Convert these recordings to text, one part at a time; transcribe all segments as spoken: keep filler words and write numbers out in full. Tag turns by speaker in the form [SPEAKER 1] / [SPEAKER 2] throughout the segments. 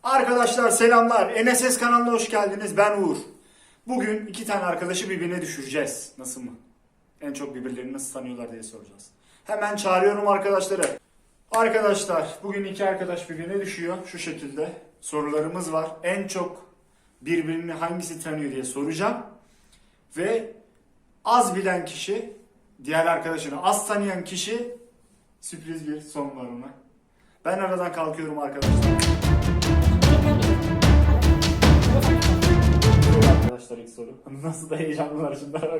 [SPEAKER 1] Arkadaşlar selamlar. N S S kanalına hoş geldiniz. Ben Uğur. Bugün iki tane arkadaşı birbirine düşüreceğiz. Nasıl mı? En çok birbirlerini nasıl tanıyorlar diye soracağız. Hemen çağırıyorum arkadaşları. Arkadaşlar bugün iki arkadaş birbirine düşüyor. Şu şekilde sorularımız var. En çok birbirini hangisi tanıyor diye soracağım. Ve az bilen kişi, diğer arkadaşını az tanıyan kişi sürpriz bir son var ona. Ben aradan kalkıyorum arkadaşlar. Arkadaşlar ilk soru. Nasıl da heyecanlılar şimdi bak.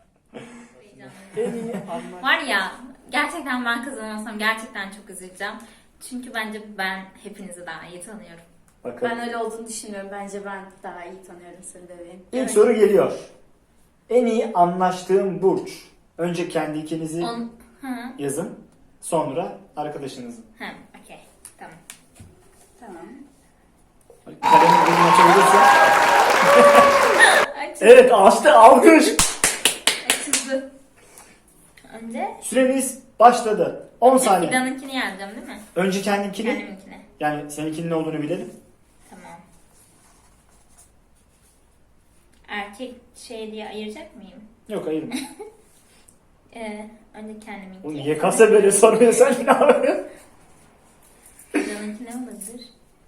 [SPEAKER 2] Var ya, gerçekten ben kazanırsam gerçekten çok üzüleceğim. Çünkü bence ben hepinizi daha iyi tanıyorum.
[SPEAKER 1] Bakalım.
[SPEAKER 3] Ben öyle olduğunu düşünmüyorum. Bence ben daha iyi tanıyorum seni bebeğim.
[SPEAKER 1] İlk evet. Soru geliyor. En iyi anlaştığım burç. Önce kendi ikinizi
[SPEAKER 2] On... Hı.
[SPEAKER 1] yazın. Sonra arkadaşınızı.
[SPEAKER 2] Hı, okey. Tamam.
[SPEAKER 3] Tamam.
[SPEAKER 1] Kalemi bunu açabilirsin.
[SPEAKER 2] Açıldı.
[SPEAKER 1] Evet açtı, alkış.
[SPEAKER 2] Açıldı. Önce...
[SPEAKER 1] Süremiz başladı. on
[SPEAKER 2] Önce
[SPEAKER 1] saniye.
[SPEAKER 2] Fidan'ınkini yazacağım değil mi?
[SPEAKER 1] Önce kendininkini.
[SPEAKER 2] Kendiminkini.
[SPEAKER 1] Yani seninkinin ne olduğunu bilelim.
[SPEAKER 2] Tamam. Erkek şey diye ayıracak mıyım?
[SPEAKER 1] Yok ayırma.
[SPEAKER 2] Ee, önce kendiminki.
[SPEAKER 1] Bu niye kasa böyle soruyor sen ne yapıyorsun?
[SPEAKER 2] Fidan'ınki ne olabilir?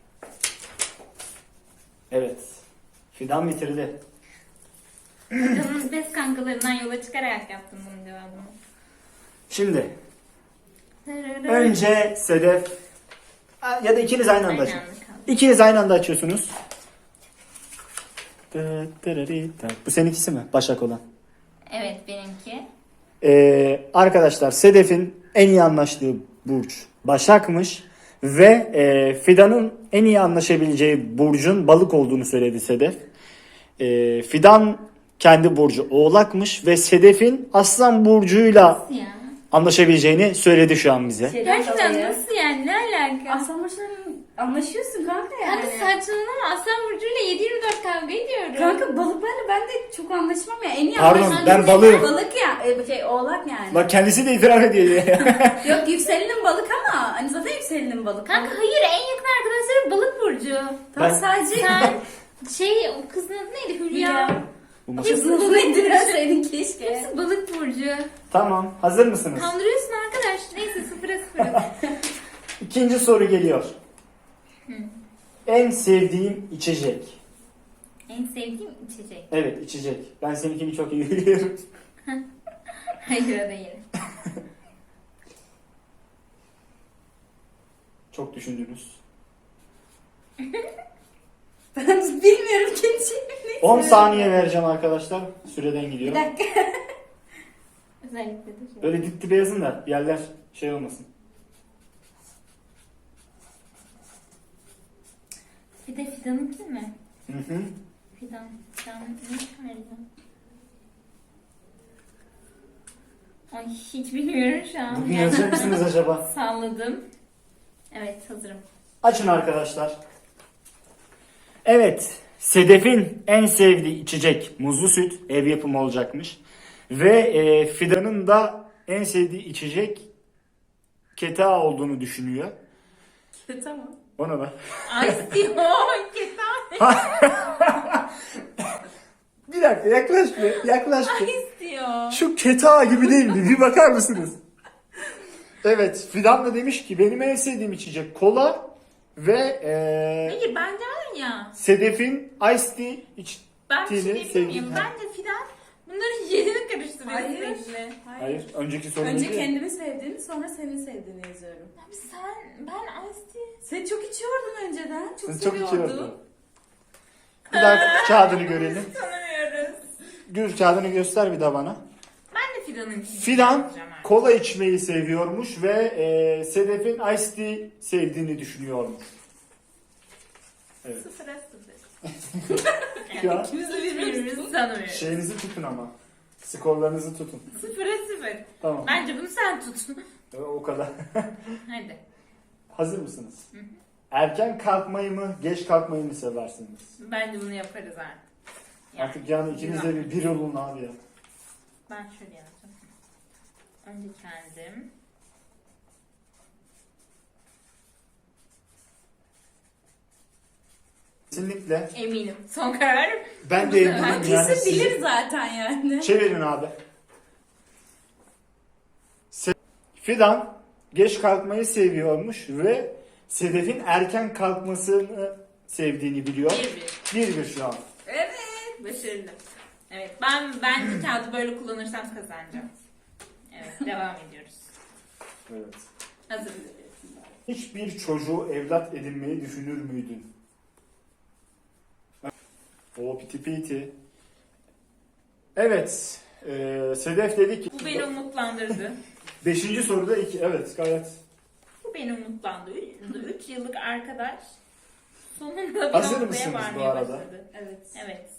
[SPEAKER 1] Evet. Fidan bitirdi.
[SPEAKER 2] Fidan'ın best kankalarından yola çıkarak yaptım bunun cevabını.
[SPEAKER 1] Şimdi. Önce Sedef. Ya da ikiniz aynı anda açın.
[SPEAKER 2] Aynı anda kaldı.
[SPEAKER 1] İkiniz aynı anda açıyorsunuz. Bu seninkisi mi? Başak olan.
[SPEAKER 2] Evet benimki.
[SPEAKER 1] Ee, arkadaşlar Sedef'in en iyi anlaştığı burç Başak'mış. Ve e, Fidan'ın en iyi anlaşabileceği burcun balık olduğunu söyledi Sedef. E, Fidan kendi burcu Oğlak'mış ve Sedef'in Aslan burcuyla
[SPEAKER 2] Nasıl ya?
[SPEAKER 1] anlaşabileceğini söyledi şu an bize.
[SPEAKER 2] Gerçekten nasıl yani? Ne alaka?
[SPEAKER 3] Aslan burçlarının anlaşıyorsun kanka yani.
[SPEAKER 2] Kanka saçmalama, Aslan Burcu'yla yedi yirmi dört kavga ediyoruz.
[SPEAKER 3] Kanka balıklarla ben de çok anlaşmam ya. En iyi
[SPEAKER 1] Pardon,
[SPEAKER 3] anlaşan
[SPEAKER 1] ben
[SPEAKER 3] yükselen
[SPEAKER 1] balığım.
[SPEAKER 3] Balık ya. E, şey oğlak yani.
[SPEAKER 1] Bak kendisi de itiraf ediyor.
[SPEAKER 3] Yok yükselenin balık ama hani zaten yükselenin balık.
[SPEAKER 2] Kanka hayır, en yakın arkadaşları Balık Burcu.
[SPEAKER 3] Tamam
[SPEAKER 1] Ben-
[SPEAKER 3] sadece.
[SPEAKER 2] Sen şey, o kızın adı neydi? Hülya.
[SPEAKER 1] Bu masada-
[SPEAKER 3] Kızını bunu indireseydin keşke.
[SPEAKER 2] Hepsi Balık Burcu.
[SPEAKER 1] Tamam, hazır mısınız?
[SPEAKER 2] Kandırıyorsun arkadaş. Neyse sıfıra sıfıra.
[SPEAKER 1] İkinci soru geliyor. En sevdiğim içecek.
[SPEAKER 2] En sevdiğim içecek.
[SPEAKER 1] Evet, içecek. Ben seninkini çok iyi biliyorum.
[SPEAKER 2] Hayır o değil.
[SPEAKER 1] Çok düşündünüz.
[SPEAKER 3] Ben bilmiyorum kendi şeyimi.
[SPEAKER 1] on saniye vereceğim arkadaşlar. Süreden
[SPEAKER 3] Bir
[SPEAKER 1] gidiyor.
[SPEAKER 3] dakika.
[SPEAKER 2] Özellikle de şey.
[SPEAKER 1] Böyle dip dibe yazın da yerler şey olmasın.
[SPEAKER 2] Bir de Fidan'ınki mi?
[SPEAKER 1] Hı hı.
[SPEAKER 2] Fidan. Fidan ne çıkaracağım? Ay hiç bilmiyorum şu an.
[SPEAKER 1] Bugün yazacak mısınız acaba?
[SPEAKER 2] Salladım. Evet hazırım.
[SPEAKER 1] Açın arkadaşlar. Evet. Sedef'in en sevdiği içecek muzlu süt. Ev yapımı olacakmış. Ve e, Fidan'ın da en sevdiği içecek keta olduğunu düşünüyor.
[SPEAKER 3] Tamam.
[SPEAKER 1] Ona da.
[SPEAKER 2] Ay Siyah ketan.
[SPEAKER 1] Bir dakika yaklaş bir. Yaklaş bir.
[SPEAKER 2] Ay istiyor.
[SPEAKER 1] Şu keta gibi değil mi? Bir bakar mısınız? Evet. Fidan da demiş ki benim en sevdiğim içecek kola ve e,
[SPEAKER 2] Hayır bence var ya.
[SPEAKER 1] Sedef'in iced tea iç.
[SPEAKER 2] Ben bir şey
[SPEAKER 1] Tini
[SPEAKER 2] diyebilir
[SPEAKER 1] sevdim.
[SPEAKER 2] miyim? Bence Fidan bunların yerini karıştırıyor
[SPEAKER 3] Hayır.
[SPEAKER 2] sürekli.
[SPEAKER 1] Hayır. Önceki soru
[SPEAKER 3] Önce
[SPEAKER 1] neydi?
[SPEAKER 3] kendimi sevdiğini sonra seni sevdiğini yazıyorum.
[SPEAKER 2] Abi sen, ben Ice Tea.
[SPEAKER 3] Sen çok içiyordun önceden. Çok
[SPEAKER 1] Sen çok
[SPEAKER 3] seviyordun.
[SPEAKER 1] içiyordun. Bir daha kağıdını görelim.
[SPEAKER 2] Tanımıyoruz.
[SPEAKER 1] Gül kağıdını göster bir daha bana.
[SPEAKER 2] Ben de Fidan'ın
[SPEAKER 1] Fidan kola içmeyi seviyormuş ve e, Sedef'in iced tea sevdiğini düşünüyormuş. Evet.
[SPEAKER 2] Sıfıra sıfır.
[SPEAKER 1] Ya,
[SPEAKER 2] İkimiz de birbirimizi tanımıyoruz.
[SPEAKER 1] şeyinizi tutun ama. Skorlarınızı tutun.
[SPEAKER 2] Sıfıra sıfır.
[SPEAKER 1] Tamam.
[SPEAKER 2] Bence bunu sen tut.
[SPEAKER 1] O kadar.
[SPEAKER 2] Hadi.
[SPEAKER 1] Hazır mısınız? Erken kalkmayı mı, geç kalkmayı mı seversiniz?
[SPEAKER 2] Bence bunu yaparız artık.
[SPEAKER 1] Artık yani ikiniz de bir, bir olun abi ya.
[SPEAKER 2] Ben şöyle yapacağım. Önce kendim.
[SPEAKER 1] Kesinlikle.
[SPEAKER 2] Eminim. Son kararım.
[SPEAKER 1] Ben de eminim
[SPEAKER 3] Ben
[SPEAKER 1] yani.
[SPEAKER 3] kesin
[SPEAKER 1] siz-
[SPEAKER 3] bilir zaten yani.
[SPEAKER 1] Çevirin abi. Se- Fidan geç kalkmayı seviyormuş ve Sedef'in erken kalkmasını sevdiğini biliyor.
[SPEAKER 2] Bir bir.
[SPEAKER 1] Bir bir şu an.
[SPEAKER 3] Evet.
[SPEAKER 2] Başarılı. Evet. Ben ben kağıdı böyle kullanırsam kazanacağım. Evet. Devam ediyoruz.
[SPEAKER 1] Evet.
[SPEAKER 2] Hazır mısın?
[SPEAKER 1] Hiçbir çocuğu evlat edinmeyi düşünür müydün? O piti piti. Evet. Ee, Sedef dedi ki...
[SPEAKER 2] Bu beni umutlandırdı.
[SPEAKER 1] Beşinci soruda iki. Evet gayet.
[SPEAKER 2] Bu beni umutlandırdı. Üç yıllık arkadaş sonunda bir
[SPEAKER 1] Hazır
[SPEAKER 2] noktaya
[SPEAKER 1] mısınız bu
[SPEAKER 2] varmaya
[SPEAKER 1] arada?
[SPEAKER 2] başladı.
[SPEAKER 3] Evet.
[SPEAKER 2] Evet.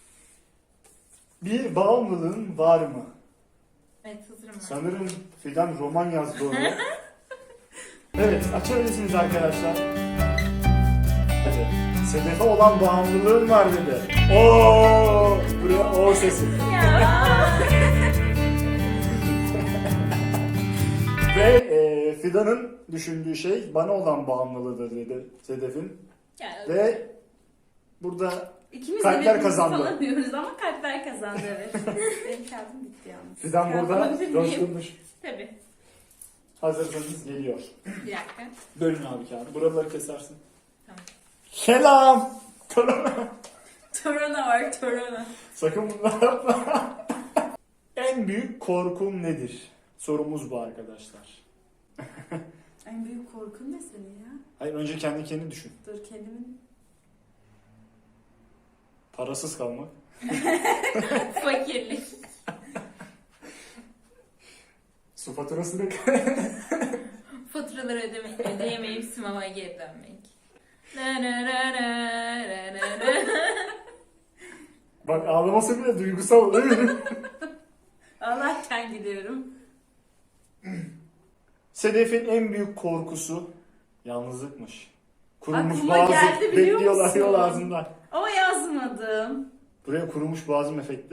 [SPEAKER 1] Bir bağımlılığın var mı?
[SPEAKER 2] Evet hazırım ben.
[SPEAKER 1] Sanırım Fidan roman yazdı onu. Evet açabilirsiniz arkadaşlar. Evet. Sedef'e olan bağımlılığın var dedi. Oo, buraya o sesi.
[SPEAKER 2] Ya.
[SPEAKER 1] Ve e, Fidan'ın düşündüğü şey bana olan bağımlılığıdır dedi Sedef'in.
[SPEAKER 2] Ya,
[SPEAKER 1] Ve burada
[SPEAKER 3] İkimiz
[SPEAKER 1] Kalpler
[SPEAKER 3] de birbirimizi
[SPEAKER 1] kazandı.
[SPEAKER 3] falan diyoruz ama kalpler kazandı evet. Benim kağıdım bitti yalnız.
[SPEAKER 1] Fidan
[SPEAKER 3] Kağıt
[SPEAKER 1] burada
[SPEAKER 3] alabilir miyim?
[SPEAKER 1] coşturmuş.
[SPEAKER 2] tabii.
[SPEAKER 1] Hazırsanız geliyor.
[SPEAKER 2] Bir dakika.
[SPEAKER 1] Bölün abi kağıdı. Buraları kesersin.
[SPEAKER 2] Tamam.
[SPEAKER 1] Selam. Torona.
[SPEAKER 3] Torona var torona.
[SPEAKER 1] Sakın bunları yapma. En büyük korkun nedir? Sorumuz bu arkadaşlar.
[SPEAKER 3] En büyük korkun ne senin ya?
[SPEAKER 1] Hayır önce kendi kendini düşün.
[SPEAKER 3] Dur kendimin.
[SPEAKER 1] Parasız kalmak.
[SPEAKER 2] Fakirlik.
[SPEAKER 1] Su faturasını
[SPEAKER 2] Faturaları ödeme, ödeyemeyip sinemaya geri dönmek. Na na na na na na na.
[SPEAKER 1] Bak ağlaması bile duygusal.
[SPEAKER 3] Ağlarken gidiyorum.
[SPEAKER 1] Sedef'in en büyük korkusu yalnızlıkmış. Kurumuş
[SPEAKER 3] Aklıma
[SPEAKER 1] boğazı
[SPEAKER 3] geldi biliyor
[SPEAKER 1] bekliyorlar
[SPEAKER 3] musun?
[SPEAKER 1] yol ağzında.
[SPEAKER 3] Ama yazmadım.
[SPEAKER 1] Buraya kurumuş boğazım efekti.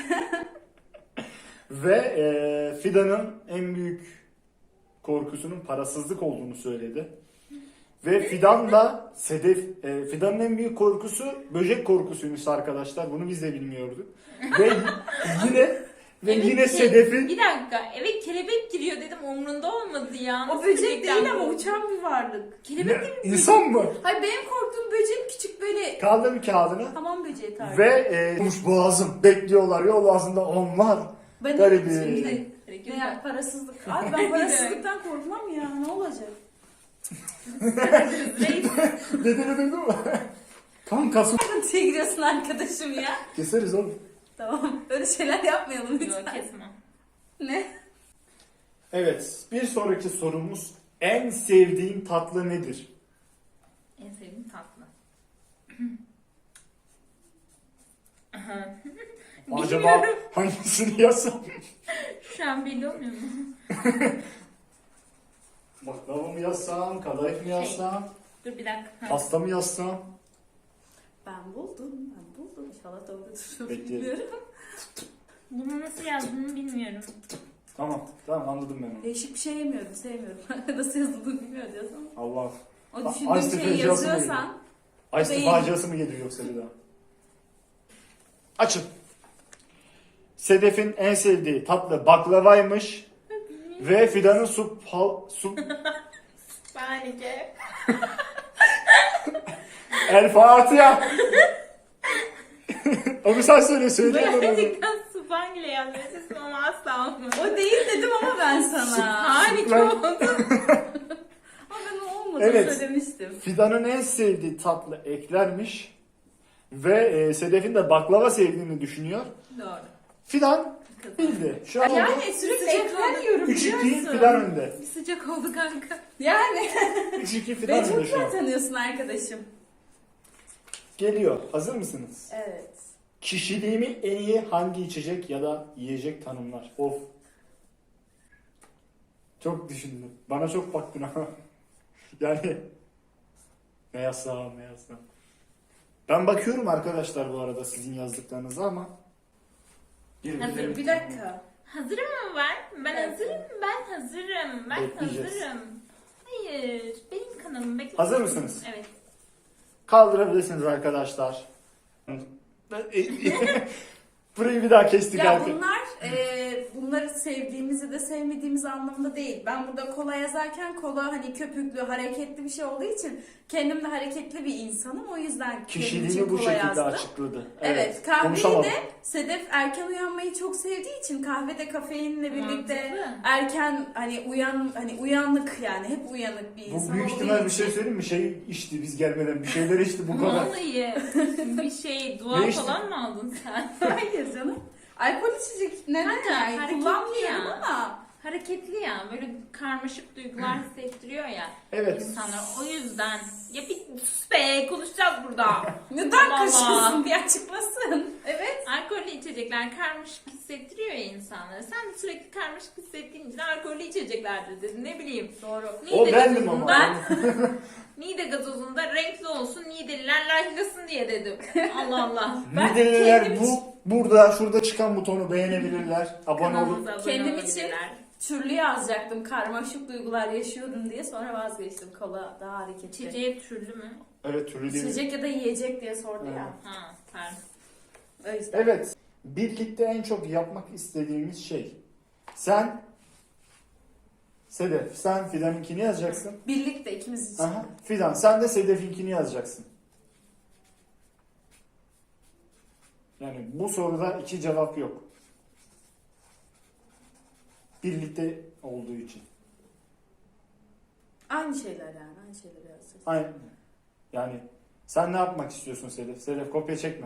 [SPEAKER 1] Ve e, Fidan'ın en büyük korkusunun parasızlık olduğunu söyledi. Ve Fidan da Sedef, e, Fidan'ın en büyük korkusu böcek korkusuymuş arkadaşlar. Bunu biz de bilmiyorduk. Ve yine ve
[SPEAKER 2] Evet,
[SPEAKER 1] yine
[SPEAKER 2] ke-
[SPEAKER 1] Sedef'in
[SPEAKER 2] Bir dakika. Evet kelebek giriyor dedim umrunda olmadı ya.
[SPEAKER 3] O
[SPEAKER 2] Nasıl
[SPEAKER 3] böcek
[SPEAKER 2] böcekten
[SPEAKER 3] değil ama
[SPEAKER 2] bu?
[SPEAKER 3] uçan bir varlık.
[SPEAKER 2] Kelebek
[SPEAKER 1] ne,
[SPEAKER 2] değil mi?
[SPEAKER 1] insan mı?
[SPEAKER 3] Hayır benim korktuğum böceğin küçük böyle
[SPEAKER 1] Kaldır bir kağıdını.
[SPEAKER 3] hamam böceği tarzı.
[SPEAKER 1] Ve e, kurumuş boğazım bekliyorlar yol ağzında onlar.
[SPEAKER 3] Ben
[SPEAKER 1] Garibim.
[SPEAKER 3] şimdi
[SPEAKER 2] Hareket
[SPEAKER 3] ne ya,
[SPEAKER 2] var.
[SPEAKER 3] parasızlık. Abi ben parasızlıktan korkmam ya. Ne olacak?
[SPEAKER 2] Reis.
[SPEAKER 1] Dediğini duydun mu? Kan kasım.
[SPEAKER 3] Sıkıntıya giriyorsun arkadaşım ya.
[SPEAKER 1] Keseriz oğlum.
[SPEAKER 3] Tamam. Öyle şeyler yapmayalım
[SPEAKER 2] Yok
[SPEAKER 3] lütfen.
[SPEAKER 2] kesme.
[SPEAKER 3] Ne?
[SPEAKER 1] Evet, bir sonraki sorumuz en sevdiğin tatlı nedir?
[SPEAKER 2] En sevdiğim tatlı.
[SPEAKER 1] Acaba
[SPEAKER 2] Bilmiyorum.
[SPEAKER 1] hangisini yazsam?
[SPEAKER 2] Şu an belli olmuyor mu?
[SPEAKER 1] Baklava mı yazsam, kadayıf mı yazsam,
[SPEAKER 2] Dur bir dakika. Ha.
[SPEAKER 1] pasta mı yazsam?
[SPEAKER 3] Ben buldum. Ben buldum. İnşallah doğrudur.
[SPEAKER 1] Bekleyelim.
[SPEAKER 3] Bilmiyorum.
[SPEAKER 2] Bunu nasıl yazdığını bilmiyorum.
[SPEAKER 1] Tamam, tamam anladım ben onu.
[SPEAKER 3] Değişik bir şey yemiyorum. Sevmiyorum. Nasıl yazıldığını bilmiyorum diyorsan.
[SPEAKER 1] Allah.
[SPEAKER 3] O
[SPEAKER 1] A-
[SPEAKER 3] düşündüğüm
[SPEAKER 1] Ice
[SPEAKER 3] şeyi
[SPEAKER 1] faciası mı
[SPEAKER 3] yazıyorsan.
[SPEAKER 1] Ayşe
[SPEAKER 3] Değil.
[SPEAKER 1] faciası mı geliyor yoksa bir daha? Açın. Sedef'in en sevdiği tatlı baklavaymış. Ve Fidan'ın su... Pal, su
[SPEAKER 2] Panike.
[SPEAKER 1] El Fatiha. Onu sen söyle, söyle.
[SPEAKER 2] Gerçekten Spangle yazmışsın ama asla olmadı.
[SPEAKER 3] O değil dedim ama ben sana.
[SPEAKER 2] Panike
[SPEAKER 1] Ben-
[SPEAKER 2] oldu.
[SPEAKER 3] Ama ben o olmadı
[SPEAKER 1] Evet.
[SPEAKER 3] söylemiştim.
[SPEAKER 1] Fidan'ın en sevdiği tatlı eklermiş. Ve e, Sedef'in de baklava sevdiğini düşünüyor.
[SPEAKER 2] Doğru.
[SPEAKER 1] Fidan bildi. Şu an
[SPEAKER 3] Yani sürekli ekler yiyorum
[SPEAKER 1] üç iki
[SPEAKER 3] biliyorsun.
[SPEAKER 1] Fidan önde.
[SPEAKER 2] Bir sıcak oldu kanka.
[SPEAKER 3] Yani.
[SPEAKER 1] üç iki
[SPEAKER 3] Beni
[SPEAKER 1] Fidan
[SPEAKER 3] çok
[SPEAKER 1] önde şu
[SPEAKER 3] güzel
[SPEAKER 1] an.
[SPEAKER 3] tanıyorsun arkadaşım.
[SPEAKER 1] Geliyor. Hazır mısınız?
[SPEAKER 3] Evet.
[SPEAKER 1] Kişiliğimi en iyi hangi içecek ya da yiyecek tanımlar? Of. Çok düşündüm. Bana çok baktın ama. Yani ne yazsam ne yazsam. Ben bakıyorum arkadaşlar bu arada sizin yazdıklarınıza ama. Bir
[SPEAKER 2] Hazırım.
[SPEAKER 3] Bir dakika.
[SPEAKER 2] Hazırım mı ben? Ben
[SPEAKER 3] Evet.
[SPEAKER 2] hazırım. Ben hazırım. Ben
[SPEAKER 1] Bekleyeceğiz.
[SPEAKER 2] hazırım. Hayır. Benim kanalım bekle.
[SPEAKER 1] Hazır mısınız?
[SPEAKER 2] Evet.
[SPEAKER 1] Kaldırabilirsiniz arkadaşlar. Burayı bir daha kestik
[SPEAKER 3] Ya
[SPEAKER 1] artık.
[SPEAKER 3] bunlar e, bunları sevdiğimizi de sevmediğimiz anlamında değil. Ben burada kola yazarken kola hani köpüklü, hareketli bir şey olduğu için kendim de hareketli bir insanım. O yüzden kendim için
[SPEAKER 1] Kişiliğini bu
[SPEAKER 3] kola
[SPEAKER 1] şekilde
[SPEAKER 3] yazdım.
[SPEAKER 1] açıkladı.
[SPEAKER 3] Evet, kahveyi
[SPEAKER 1] konuşamadım.
[SPEAKER 3] de Sedef erken uyanmayı çok sevdiği için kahvede kafeinle birlikte
[SPEAKER 2] Mantıklı.
[SPEAKER 3] erken hani uyan hani uyanık yani hep uyanık bir
[SPEAKER 1] Bu
[SPEAKER 3] insan
[SPEAKER 1] büyük
[SPEAKER 3] olduğu
[SPEAKER 1] ihtimal bir
[SPEAKER 3] için-
[SPEAKER 1] şey söyleyeyim mi? Şey içti biz gelmeden bir şeyler içti bu kadar.
[SPEAKER 2] Vallahi bir şey dua
[SPEAKER 1] Ne içtin?
[SPEAKER 2] falan mı aldın sen?
[SPEAKER 3] Hayır canım. Alkol içecek neden
[SPEAKER 2] Kanka,
[SPEAKER 3] yani
[SPEAKER 2] hareketli
[SPEAKER 3] kullanmıyorum
[SPEAKER 2] ya.
[SPEAKER 3] ama
[SPEAKER 2] Hareketli ya, böyle karmaşık duygular hissettiriyor ya
[SPEAKER 1] Evet.
[SPEAKER 2] insanlar. O yüzden ya bir sus be, konuşacağız burada.
[SPEAKER 3] neden
[SPEAKER 2] Allah
[SPEAKER 3] kaşıyorsun
[SPEAKER 2] Allah.
[SPEAKER 3] bir açıklasın. Evet.
[SPEAKER 2] Alkollü içecekler karmaşık hissettiriyor ya insanları. Sen de sürekli karmaşık hissettiğin için alkollü içeceklerdir dedin. Ne bileyim.
[SPEAKER 3] Doğru.
[SPEAKER 1] O
[SPEAKER 2] Niğde
[SPEAKER 1] bendim ama.
[SPEAKER 2] gazozunda, Niğde gazozunda renkli olsun, Niğdeliler likelasın diye dedim. Allah Allah.
[SPEAKER 3] Ben
[SPEAKER 1] Mideliler
[SPEAKER 3] kendim
[SPEAKER 1] bu burada şurada çıkan butonu beğenebilirler. Abone olup
[SPEAKER 2] Kanalımıza abone
[SPEAKER 3] Kendim
[SPEAKER 2] olabilirler.
[SPEAKER 3] Türlü yazacaktım. Karmaşık duygular yaşıyorum diye sonra vazgeçtim. Kola daha hareketli.
[SPEAKER 2] İçeceği türlü mü?
[SPEAKER 1] evet türlü değil mi?
[SPEAKER 3] İçecek ya da yiyecek diye sordu
[SPEAKER 1] Evet.
[SPEAKER 3] ya.
[SPEAKER 2] Ha, pardon.
[SPEAKER 3] O yüzden.
[SPEAKER 1] Evet. Birlikte en çok yapmak istediğimiz şey. Sen Sedef, sen Fidan'ınkini yazacaksın.
[SPEAKER 3] Birlikte ikimiz için.
[SPEAKER 1] Aha. Fidan, sen de Sedef'inkini yazacaksın. Yani bu soruda iki cevap yok. Birlikte olduğu için.
[SPEAKER 3] Aynı şeyler yani. Aynı şeyleri yazacağız.
[SPEAKER 1] Aynen. Yani sen ne yapmak istiyorsun Sedef? Sedef kopya çekme.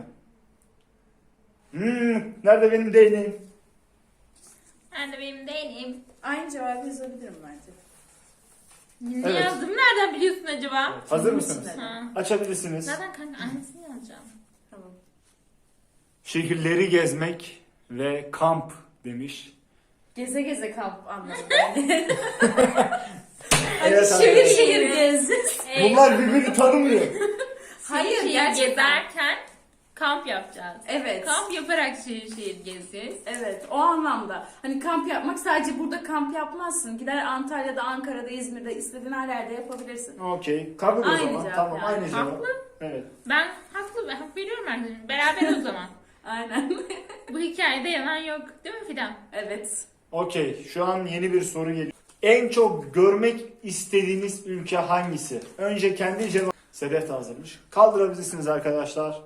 [SPEAKER 1] Hmm, nerede benim değneğim?
[SPEAKER 2] Ben de benim değilim.
[SPEAKER 3] Aynı cevabı yazabilirim bence.
[SPEAKER 2] Ne
[SPEAKER 1] Evet.
[SPEAKER 2] yazdım? Nereden biliyorsun acaba?
[SPEAKER 1] Hazır
[SPEAKER 3] Film
[SPEAKER 1] mısınız?
[SPEAKER 3] isimleri.
[SPEAKER 2] Ha.
[SPEAKER 1] Açabilirsiniz.
[SPEAKER 2] Zaten kanka aynısını yazacağım.
[SPEAKER 3] Tamam.
[SPEAKER 1] Şehirleri gezmek ve kamp demiş.
[SPEAKER 3] Geze geze kamp anlamında. Yani.
[SPEAKER 1] Evet,
[SPEAKER 3] şehir
[SPEAKER 1] arkadaşlar.
[SPEAKER 3] şehir gez.
[SPEAKER 2] Ee,
[SPEAKER 1] Bunlar birbirini tanımıyor.
[SPEAKER 3] Hayır,
[SPEAKER 2] şehir
[SPEAKER 3] gerçekten.
[SPEAKER 2] gezerken kamp yapacağız.
[SPEAKER 3] Evet.
[SPEAKER 2] Kamp yaparak şehir şehir gezeceğiz.
[SPEAKER 3] Evet, o anlamda. Hani kamp yapmak sadece burada kamp yapmazsın. Gider Antalya'da, Ankara'da, İzmir'de istediğin her yerde yapabilirsin.
[SPEAKER 1] Okey. Kabul o
[SPEAKER 3] Aynı
[SPEAKER 1] zaman.
[SPEAKER 3] cevap
[SPEAKER 1] Tamam
[SPEAKER 3] yani.
[SPEAKER 1] aynı cevap.
[SPEAKER 2] Haklı.
[SPEAKER 1] Evet.
[SPEAKER 2] Ben haklı, ben hak veriyorum arkadaşım. Beraber o zaman.
[SPEAKER 3] Aynen.
[SPEAKER 2] Bu hikayede yalan yok. Değil mi Fidan?
[SPEAKER 3] Evet.
[SPEAKER 1] Okey. Şu an yeni bir soru geliyor. En çok görmek istediğiniz ülke hangisi? Önce kendi cevap. Sedef de hazırmış. Kaldırabilirsiniz arkadaşlar.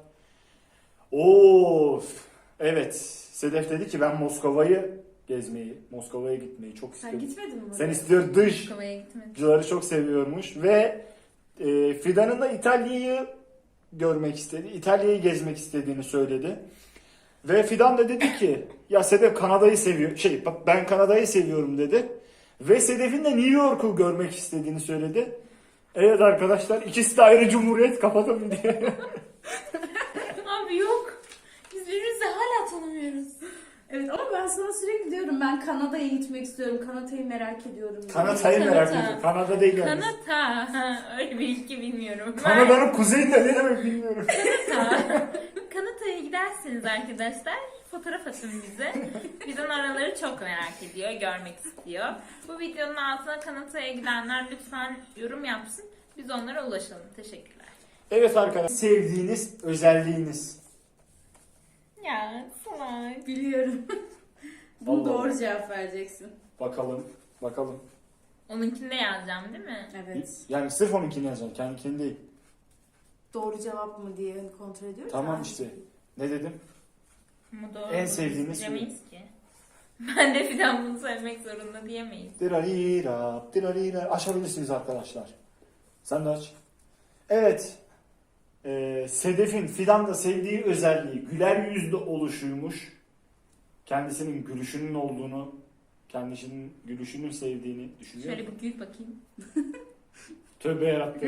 [SPEAKER 1] Of. Evet. Sedef dedi ki ben Moskova'yı gezmeyi, Moskova'ya gitmeyi çok
[SPEAKER 3] Sen
[SPEAKER 1] istiyorum.
[SPEAKER 3] gitmedin mi?
[SPEAKER 1] Sen
[SPEAKER 3] oraya?
[SPEAKER 1] istiyor dış.
[SPEAKER 2] Kovaya gitmedim.
[SPEAKER 1] Oyuncuları çok seviyormuş ve e, Fidan'ın da İtalya'yı görmek istedi. İtalya'yı gezmek istediğini söyledi. Ve Fidan da dedi ki ya Sedef Kanada'yı seviyor. Şey bak ben Kanada'yı seviyorum dedi. Ve Sedef'in de New York'u görmek istediğini söyledi. Evet arkadaşlar ikisi de ayrı cumhuriyet kapatalım diye.
[SPEAKER 2] Abi yok. Biz birbirimizi hala tanımıyoruz.
[SPEAKER 3] Evet ama ben sana sürekli diyorum ben Kanada'ya gitmek istiyorum. Kanada'yı merak ediyorum.
[SPEAKER 1] Kanada'yı merak
[SPEAKER 2] Kanada.
[SPEAKER 1] ediyorum. Kanada değil yani.
[SPEAKER 2] Kanata. Ha, öyle bir ülke bilmiyorum.
[SPEAKER 1] Kanada'nın kuzeyinde ne demek bilmiyorum.
[SPEAKER 2] Kanata. Kanata'ya giderseniz arkadaşlar fotoğraf atın bize. Bizden araları çok merak ediyor, görmek istiyor. Bu videonun altına Kanata'ya gidenler lütfen yorum yapsın. Biz onlara ulaşalım. Teşekkürler.
[SPEAKER 1] Evet arkadaşlar sevdiğiniz özelliğiniz.
[SPEAKER 2] Ya salak.
[SPEAKER 3] Biliyorum. Bunu
[SPEAKER 1] Allah
[SPEAKER 3] doğru
[SPEAKER 1] Allah.
[SPEAKER 3] cevap vereceksin.
[SPEAKER 1] Bakalım. Bakalım.
[SPEAKER 2] Onunkini de yazacağım değil mi?
[SPEAKER 3] Evet.
[SPEAKER 1] Yani sırf onunkini yazacaksın. Kendininkini değil.
[SPEAKER 3] Doğru cevap mı diye kontrol ediyoruz.
[SPEAKER 1] Tamam
[SPEAKER 3] ya.
[SPEAKER 1] işte. Ne dedim?
[SPEAKER 2] Ama doğru.
[SPEAKER 1] En sevdiğiniz
[SPEAKER 2] diyemeyiz ki. Ben de Fidan bunu söylemek zorunda diyemeyiz.
[SPEAKER 1] Dirarira, dirarira. Açabilirsiniz arkadaşlar. Sen de aç. Evet. Ee, Sedef'in Fidan da sevdiği özelliği güler yüzlü oluşuymuş. Kendisinin gülüşünün olduğunu, kendisinin gülüşünün sevdiğini düşünüyor.
[SPEAKER 2] Şöyle bir gül bakayım.
[SPEAKER 1] Tövbe yarattı.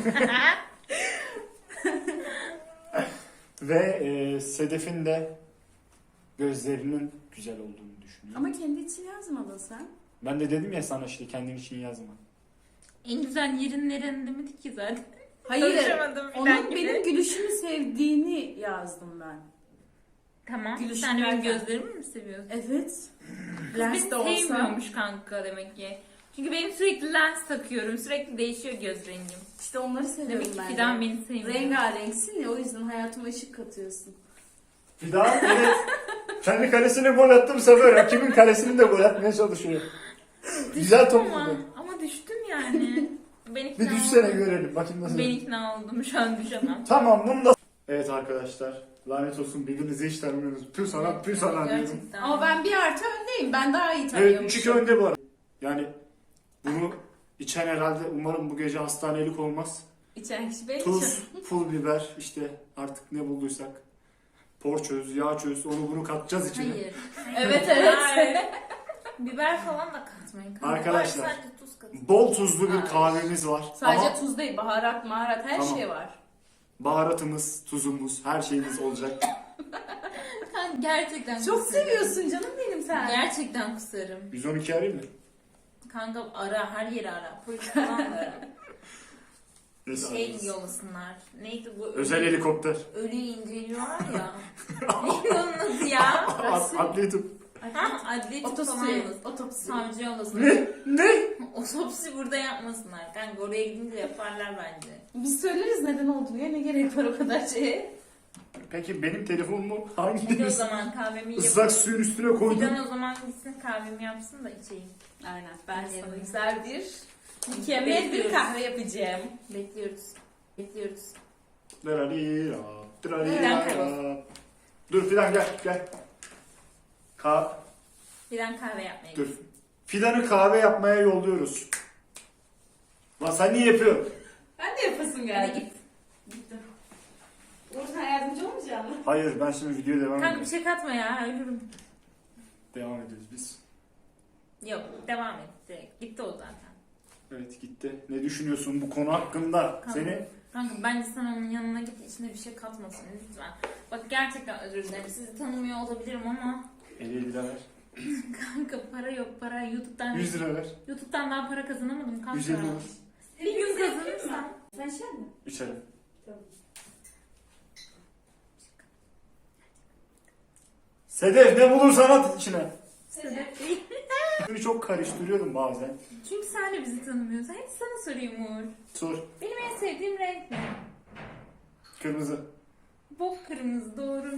[SPEAKER 1] Ve e, Sedef'in de gözlerinin güzel olduğunu düşünüyor.
[SPEAKER 3] Ama kendi için yazmadın sen.
[SPEAKER 1] Ben de dedim ya sana işte kendin için yazma.
[SPEAKER 2] En güzel yerin neren demedik ki zaten.
[SPEAKER 3] Hayır.
[SPEAKER 2] Konuşamadım filan
[SPEAKER 3] Onun
[SPEAKER 2] gibi.
[SPEAKER 3] benim gülüşümü sevdiğini yazdım ben.
[SPEAKER 2] Tamam.
[SPEAKER 3] Gülüşün
[SPEAKER 2] Sen de benim
[SPEAKER 3] nereden?
[SPEAKER 2] gözlerimi mi seviyorsun?
[SPEAKER 3] Evet.
[SPEAKER 2] Kız
[SPEAKER 3] Lens
[SPEAKER 2] beni
[SPEAKER 3] de olsa.
[SPEAKER 2] sevmiyormuş kanka demek ki. Çünkü benim sürekli lens takıyorum. Sürekli değişiyor göz rengim.
[SPEAKER 3] İşte onları seviyorum
[SPEAKER 2] Demek ki
[SPEAKER 3] ben.
[SPEAKER 2] Fidan
[SPEAKER 3] de.
[SPEAKER 2] beni sevmiyor.
[SPEAKER 3] Rengarenksin ya, o yüzden hayatıma ışık katıyorsun.
[SPEAKER 1] Fidan evet. Kendi kalesine gol attı bu sefer. Rakibin kalesini de gol atmaya çalışıyor. Güzel top
[SPEAKER 2] Ama,
[SPEAKER 1] buldu.
[SPEAKER 2] ama düştüm yani. Ben ikna
[SPEAKER 1] Bir düşsene
[SPEAKER 2] oldum.
[SPEAKER 1] görelim. Bakayım nasıl.
[SPEAKER 2] Ben ikna oldum. Şu an düşemem.
[SPEAKER 1] Tamam bunu da... Evet arkadaşlar. Lanet olsun birbirinizi hiç tanımıyorsunuz. Pür sana pür sana diyorum.
[SPEAKER 2] Gerçekten.
[SPEAKER 3] Ama ben bir artı öndeyim. Ben daha iyi
[SPEAKER 1] Evet
[SPEAKER 3] tanıyormuşum.
[SPEAKER 1] üç iki önde bu arada. Yani bunu içen herhalde umarım bu gece hastanelik olmaz.
[SPEAKER 3] İçen kişi benim.
[SPEAKER 1] Tuz, pul biber işte artık ne bulduysak. Porçöz, yağ çöz onu bunu katacağız içine.
[SPEAKER 2] Hayır.
[SPEAKER 3] Evet, evet.
[SPEAKER 2] Hayır. Biber falan da katmayın. Kanka.
[SPEAKER 1] Arkadaşlar,
[SPEAKER 2] Var, sadece tuz katın.
[SPEAKER 1] Bol tuzlu bir
[SPEAKER 2] Hayır.
[SPEAKER 1] kahvemiz var.
[SPEAKER 3] Sadece
[SPEAKER 1] Ama
[SPEAKER 3] tuz değil, baharat, maharat her
[SPEAKER 1] Tamam.
[SPEAKER 3] şey var.
[SPEAKER 1] baharatımız, tuzumuz, her şeyimiz olacak.
[SPEAKER 2] Kanka gerçekten
[SPEAKER 3] Çok
[SPEAKER 2] kusarım.
[SPEAKER 3] seviyorsun canım benim sen.
[SPEAKER 2] Gerçekten kusarım.
[SPEAKER 1] yüz on iki arayayım mı?
[SPEAKER 2] Kanka ara, her yeri ara. Polis falan da ara.
[SPEAKER 1] Neyse,
[SPEAKER 2] Şey
[SPEAKER 1] ararız.
[SPEAKER 2] yollasınlar. Neydi bu?
[SPEAKER 1] Özel helikopter.
[SPEAKER 2] Ölüyü inceliyorlar ya. Neydi onun adı ya?
[SPEAKER 1] Ad- Adli tıp.
[SPEAKER 2] Ha, adli tıp falan
[SPEAKER 3] Otopsi.
[SPEAKER 2] yollasın.
[SPEAKER 3] Otopsi.
[SPEAKER 2] Savcı yollasın.
[SPEAKER 1] Ne? Ne?
[SPEAKER 2] Otopsi burada yapmasınlar. Kanka oraya gidince yaparlar bence.
[SPEAKER 3] Biz söyleriz neden olduğunu ya, ne gerek var o kadar şeye.
[SPEAKER 1] Peki benim telefonumu
[SPEAKER 2] Hadi o
[SPEAKER 1] hangi
[SPEAKER 2] zaman kahvemi yapayım.
[SPEAKER 1] ıslak suyun üstüne koydun?
[SPEAKER 2] Fidan o zaman gitsin kahvemi yapsın da içeyim.
[SPEAKER 3] Aynen. Ben
[SPEAKER 2] Evet.
[SPEAKER 3] sana güzel bir mükemmel bir
[SPEAKER 2] Bekliyoruz.
[SPEAKER 3] kahve yapacağım.
[SPEAKER 2] Bekliyoruz. Bekliyoruz.
[SPEAKER 1] Drarira, drarira.
[SPEAKER 2] Fidan kaybolsun.
[SPEAKER 1] Dur Fidan gel gel. Ka
[SPEAKER 2] Fidan kahve yapmaya
[SPEAKER 1] dur.
[SPEAKER 2] gitsin.
[SPEAKER 1] Fidan'ı kahve yapmaya yolluyoruz. Lan sen niye yapıyorsun?
[SPEAKER 3] Ben de yapasım
[SPEAKER 2] Hadi
[SPEAKER 3] geldi.
[SPEAKER 2] git.
[SPEAKER 3] Gittim. Uğur sen yardımcı olmayacak mısın?
[SPEAKER 1] Hayır ben şimdi videoya devam
[SPEAKER 2] Kanka bir
[SPEAKER 1] ediyorum.
[SPEAKER 2] şey katma ya ölürüm.
[SPEAKER 1] Devam ediyoruz biz.
[SPEAKER 2] Yok devam et direkt. Gitti o zaten.
[SPEAKER 1] Evet gitti. Ne düşünüyorsun bu konu hakkında?
[SPEAKER 2] Kanka,
[SPEAKER 1] Seni
[SPEAKER 2] kanka bence sen onun yanına git içine bir şey katmasın lütfen. Bak gerçekten özür dilerim. Sizi tanımıyor olabilirim ama
[SPEAKER 1] elli lira ver.
[SPEAKER 2] kanka para yok para. YouTube'dan
[SPEAKER 1] yüz lira ver.
[SPEAKER 2] YouTube'dan daha para kazanamadım kanka.
[SPEAKER 1] yüz elli olur.
[SPEAKER 2] Bir gün kazanırsam.
[SPEAKER 3] Sen şey mi?
[SPEAKER 1] İçerim.
[SPEAKER 3] Tamam.
[SPEAKER 1] Sedef ne bulursan at içine.
[SPEAKER 2] Sebep değil.
[SPEAKER 1] Beni çok karıştırıyorum bazen.
[SPEAKER 2] Çünkü sen de bizi tanımıyorsun. Hadi sana sorayım Uğur.
[SPEAKER 1] Sor.
[SPEAKER 2] Benim en sevdiğim renk ne?
[SPEAKER 1] Kırmızı.
[SPEAKER 2] Bok kırmızı doğru.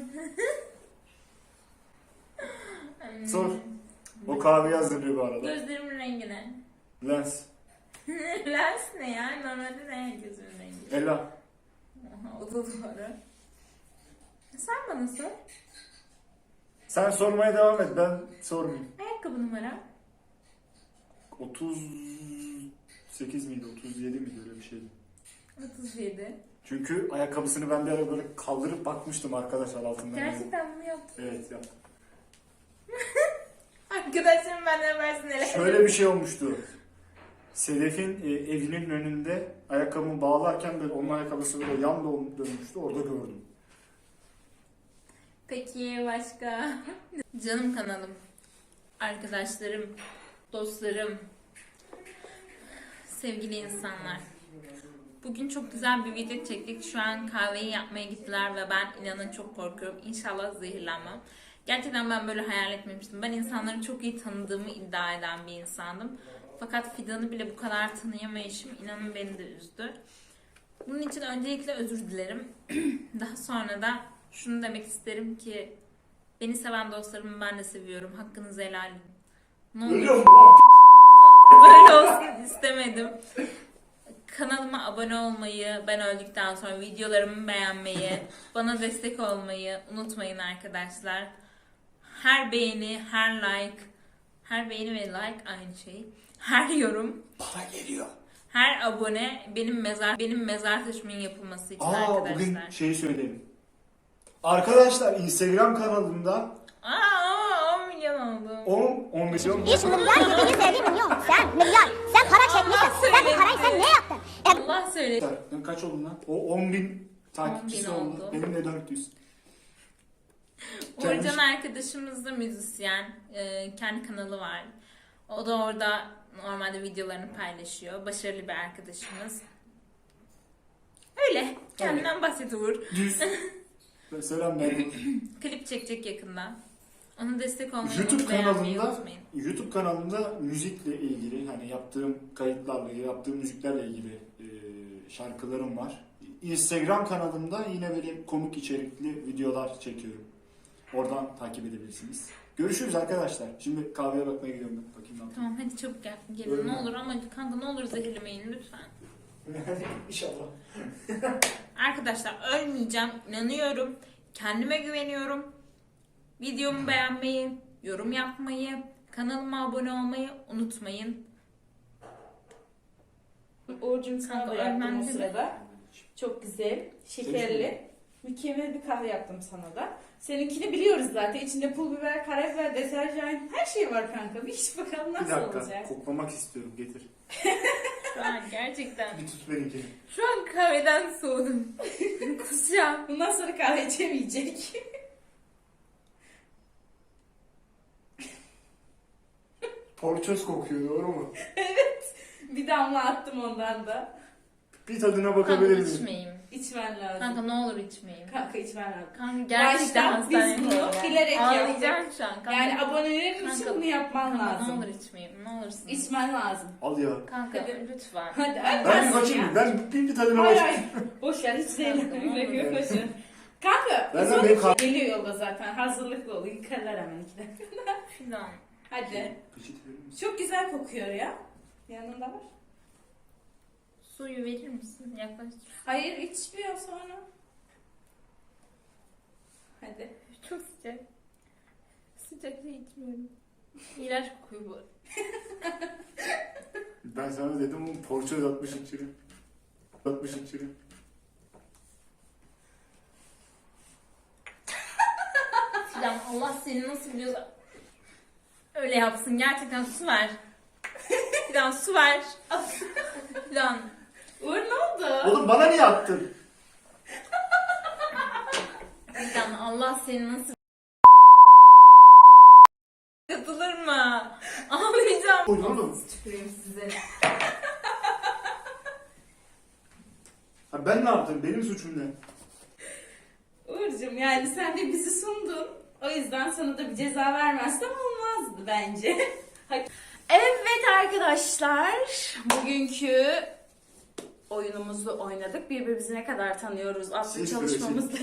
[SPEAKER 2] Hmm.
[SPEAKER 1] Sor. O kahveyi hazırlıyor bu arada.
[SPEAKER 2] Gözlerimin rengi ne?
[SPEAKER 1] Lens.
[SPEAKER 2] Lens ne ya? Normalde ne gözümün rengi?
[SPEAKER 1] Ela.
[SPEAKER 2] Aha, o da doğru. Sen bana sor.
[SPEAKER 1] Sen sormaya devam et ben sormayayım.
[SPEAKER 2] Ayakkabı numara.
[SPEAKER 1] otuz sekiz miydi otuz yedi miydi öyle bir şeydi.
[SPEAKER 2] otuz yedi.
[SPEAKER 1] Çünkü ayakkabısını ben bir ara böyle kaldırıp bakmıştım arkadaşlar altından.
[SPEAKER 2] Gerçekten bunu yaptım.
[SPEAKER 1] Evet yaptım.
[SPEAKER 2] Arkadaşlarım benden versin hele.
[SPEAKER 1] Şöyle bir şey olmuştu. Sedef'in e, evinin önünde ayakkabımı bağlarken böyle onun ayakkabısı böyle yan dön- dönmüştü orada gördüm.
[SPEAKER 2] Peki başka? Canım kanalım. Arkadaşlarım. Dostlarım. Sevgili insanlar. Bugün çok güzel bir video çektik. Şu an kahveyi yapmaya gittiler ve ben inanın çok korkuyorum. İnşallah zehirlenmem. Gerçekten ben böyle hayal etmemiştim. Ben insanları çok iyi tanıdığımı iddia eden bir insandım. Fakat Fidan'ı bile bu kadar tanıyamayışım inanın beni de üzdü. Bunun için öncelikle özür dilerim. Daha sonra da şunu demek isterim ki beni seven dostlarımı ben de seviyorum. Hakkınızı helal edin. Ne olur
[SPEAKER 1] Ölüyorum lan.
[SPEAKER 2] böyle olsun istemedim. Kanalıma abone olmayı, ben öldükten sonra videolarımı beğenmeyi, bana destek olmayı unutmayın arkadaşlar. Her beğeni, her like, her beğeni ve like aynı şey. Her yorum,
[SPEAKER 1] Para geliyor.
[SPEAKER 2] her abone benim mezar benim mezar taşımın yapılması için
[SPEAKER 1] Aa
[SPEAKER 2] arkadaşlar.
[SPEAKER 1] bugün şeyi söyleyelim. Arkadaşlar Instagram kanalımda
[SPEAKER 2] Aa on milyon oldu.
[SPEAKER 1] on on milyon
[SPEAKER 4] İş milyar yediğini sevdiğin milyon. Sen milyar. Sen para çekmişsin. Sen bu parayı sen ne yaptın? E,
[SPEAKER 2] Allah söyle.
[SPEAKER 1] Sen kaç oldun lan? O on bin takipçisi
[SPEAKER 2] on bin
[SPEAKER 1] oldu.
[SPEAKER 2] oldu.
[SPEAKER 1] Benim de dört yüz.
[SPEAKER 2] Uğurcan arkadaşımız da müzisyen. Ee, kendi kanalı var. O da orada normalde videolarını paylaşıyor. Başarılı bir arkadaşımız. Öyle. Kendinden bahset Uğur.
[SPEAKER 1] Düz. Selam ben.
[SPEAKER 2] Klip çekecek yakında. Ona destek olmayı
[SPEAKER 1] YouTube
[SPEAKER 2] beğenmeyi
[SPEAKER 1] kanalımda
[SPEAKER 2] unutmayın.
[SPEAKER 1] YouTube kanalımda müzikle ilgili hani yaptığım kayıtlarla ilgili, yaptığım müziklerle ilgili e, şarkılarım var. Instagram kanalımda yine böyle komik içerikli videolar çekiyorum. Oradan takip edebilirsiniz. Görüşürüz arkadaşlar. Şimdi kahveye bakmaya gidiyorum ben. Bakayım ne yapayım.
[SPEAKER 2] Tamam hadi çabuk gel. Gelin
[SPEAKER 1] Öyle
[SPEAKER 2] ne
[SPEAKER 1] mi?
[SPEAKER 2] olur ama kanka ne olur zehirlemeyin lütfen.
[SPEAKER 1] İnşallah.
[SPEAKER 2] Arkadaşlar ölmeyeceğim. İnanıyorum. Kendime güveniyorum. Videomu beğenmeyi, yorum yapmayı, kanalıma abone olmayı unutmayın.
[SPEAKER 3] Uğur'cum sana
[SPEAKER 2] Kanka,
[SPEAKER 3] da yaptım
[SPEAKER 2] ölmem
[SPEAKER 3] o
[SPEAKER 2] değil mi?
[SPEAKER 3] sırada. Çok güzel, şekerli, mükemmel bir kahve yaptım sana da. Seninkini biliyoruz zaten. İçinde pul biber, karabiber, deterjan, her şey var kanka. Bir iç bakalım
[SPEAKER 1] Bir
[SPEAKER 3] nasıl
[SPEAKER 1] dakika.
[SPEAKER 3] olacak.
[SPEAKER 1] Koklamak istiyorum. Getir.
[SPEAKER 2] Şu an gerçekten.
[SPEAKER 1] Bir tut benimkini.
[SPEAKER 2] Şu an kahveden soğudum. Kusacağım.
[SPEAKER 3] Bundan sonra kahve içemeyecek.
[SPEAKER 1] Porçöz kokuyor, doğru mu?
[SPEAKER 3] Bir damla attım ondan da.
[SPEAKER 1] Bir tadına
[SPEAKER 2] Kanka
[SPEAKER 1] bakabilir miyim?
[SPEAKER 2] içmeyeyim.
[SPEAKER 3] İçmen lazım.
[SPEAKER 2] Kanka ne olur içmeyeyim.
[SPEAKER 3] Kanka içmen lazım.
[SPEAKER 2] Kanka gerçekten
[SPEAKER 3] Baştan biz
[SPEAKER 2] hastaneye
[SPEAKER 3] bunu
[SPEAKER 2] koyuyorlar.
[SPEAKER 3] bilerek
[SPEAKER 2] Ağlayacağım şu an. Kanka,
[SPEAKER 3] Yani abonelerin için
[SPEAKER 2] Kanka,
[SPEAKER 3] bunu yapman
[SPEAKER 2] kanka,
[SPEAKER 3] lazım.
[SPEAKER 2] ne olur içmeyeyim. Ne olursun.
[SPEAKER 3] İçmen lazım.
[SPEAKER 1] Al ya.
[SPEAKER 2] Kanka
[SPEAKER 3] Hadi.
[SPEAKER 2] lütfen.
[SPEAKER 3] Hadi hadi.
[SPEAKER 1] Ben bir
[SPEAKER 3] nasıl
[SPEAKER 1] bakayım.
[SPEAKER 3] ya?
[SPEAKER 1] Ben bir, bir tadına
[SPEAKER 3] Hayır
[SPEAKER 1] bakayım.
[SPEAKER 3] hayır. Boş ver hiç
[SPEAKER 2] Kanka,
[SPEAKER 3] zeynep.
[SPEAKER 2] ne olur.
[SPEAKER 3] Boş ver. Kanka.
[SPEAKER 1] Ben
[SPEAKER 3] biz
[SPEAKER 1] de
[SPEAKER 3] onu-
[SPEAKER 1] benim kah-
[SPEAKER 3] Geliyor yolda zaten. Hazırlıklı ol. Yıkarlar hemen iki dakika.
[SPEAKER 2] Fidan.
[SPEAKER 3] Hadi.
[SPEAKER 1] Peçete verir misin?
[SPEAKER 3] Çok güzel kokuyor ya. Yanında var.
[SPEAKER 2] Suyu verir misin? Yaklaş.
[SPEAKER 3] Hayır içmiyor sonra. Hadi.
[SPEAKER 2] Çok sıcak. Sıcak şey içmiyorum. İğrenç kokuyor bu.
[SPEAKER 1] Ben sana dedim oğlum porçöz atmış içine. Atmış içine.
[SPEAKER 2] Fidan Allah seni nasıl biliyorsa öyle yapsın. Gerçekten su ver. Fidan su ver. Fidan.
[SPEAKER 3] Uğur ne oldu?
[SPEAKER 1] Oğlum bana niye attın?
[SPEAKER 2] Fidan Allah seni nasıl katılır mı? Ağlayacağım.
[SPEAKER 1] Oy, oğlum.
[SPEAKER 2] Tüküreyim size.
[SPEAKER 1] Ha, ben ne yaptım? Benim suçum ne?
[SPEAKER 3] Uğur'cum yani sen de bizi sundun. O yüzden sana da bir ceza vermezsem olmazdı bence. Evet arkadaşlar. Bugünkü oyunumuzu oynadık. Birbirimizi ne kadar tanıyoruz adlı
[SPEAKER 1] Siz
[SPEAKER 3] çalışmamızda.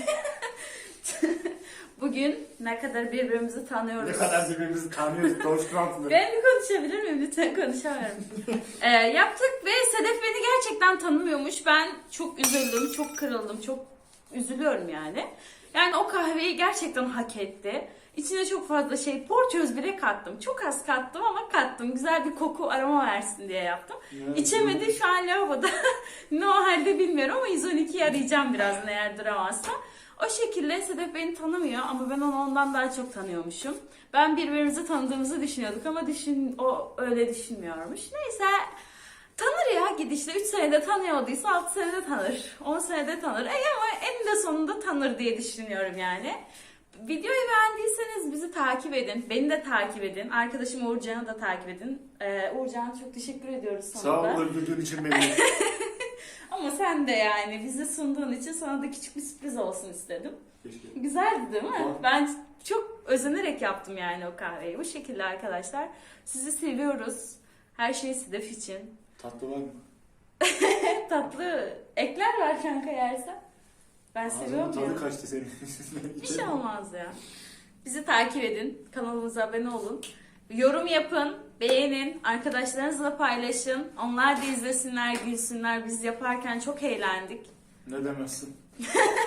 [SPEAKER 3] Bugün ne kadar birbirimizi tanıyoruz.
[SPEAKER 1] Ne kadar birbirimizi tanıyoruz. Coşkantlı.
[SPEAKER 3] Ben bir konuşabilir miyim? Lütfen konuşamıyorum. ee, yaptık ve Sedef beni gerçekten tanımıyormuş. Ben çok üzüldüm, çok kırıldım, çok üzülüyorum yani. Yani o kahveyi gerçekten hak etti. İçine çok fazla şey, porçöz bile kattım. Çok az kattım ama kattım. Güzel bir koku aroma versin diye yaptım.
[SPEAKER 1] Yani
[SPEAKER 3] İçemedi şu an lavaboda. Ne o halde bilmiyorum ama yüz on ikiyi arayacağım birazdan eğer duramazsa. O şekilde Sedef beni tanımıyor ama ben onu ondan daha çok tanıyormuşum. Ben birbirimizi tanıdığımızı düşünüyorduk ama düşün, o öyle düşünmüyormuş. Neyse tanır ya gidişle üç senede tanıyorduysa altı senede tanır. on senede tanır. E ama eninde sonunda tanır diye düşünüyorum yani. Videoyu beğendiyseniz bizi takip edin. Beni de takip edin. Arkadaşım Uğurcan'ı da takip edin. Ee, Uğurcan'a çok teşekkür ediyoruz sana
[SPEAKER 1] Sağ
[SPEAKER 3] da.
[SPEAKER 1] ol öldürdüğün için beni.
[SPEAKER 3] Ama sen de yani bizi sunduğun için sana da küçük bir sürpriz olsun istedim.
[SPEAKER 1] Keşke.
[SPEAKER 3] Güzeldi değil mi?
[SPEAKER 1] Tamam.
[SPEAKER 3] Ben çok özenerek yaptım yani o kahveyi. Bu şekilde arkadaşlar. Sizi seviyoruz. Her şey Sedef için.
[SPEAKER 1] Tatlı var mı?
[SPEAKER 3] Tatlı ekler var kanka yersen. Ben
[SPEAKER 1] Ağzımın
[SPEAKER 3] seviyorum ya.
[SPEAKER 1] tadı kaçtı senin.
[SPEAKER 3] Bir şey olmaz ya. Bizi takip edin. Kanalımıza abone olun. Yorum yapın. Beğenin. Arkadaşlarınızla paylaşın. Onlar da izlesinler, gülsünler. Biz yaparken çok eğlendik.
[SPEAKER 1] Ne demezsin?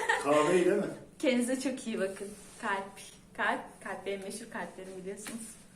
[SPEAKER 1] Kahveyi değil mi?
[SPEAKER 3] Kendinize çok iyi bakın. Kalp. Kalp. Kalp benim meşhur kalplerim biliyorsunuz.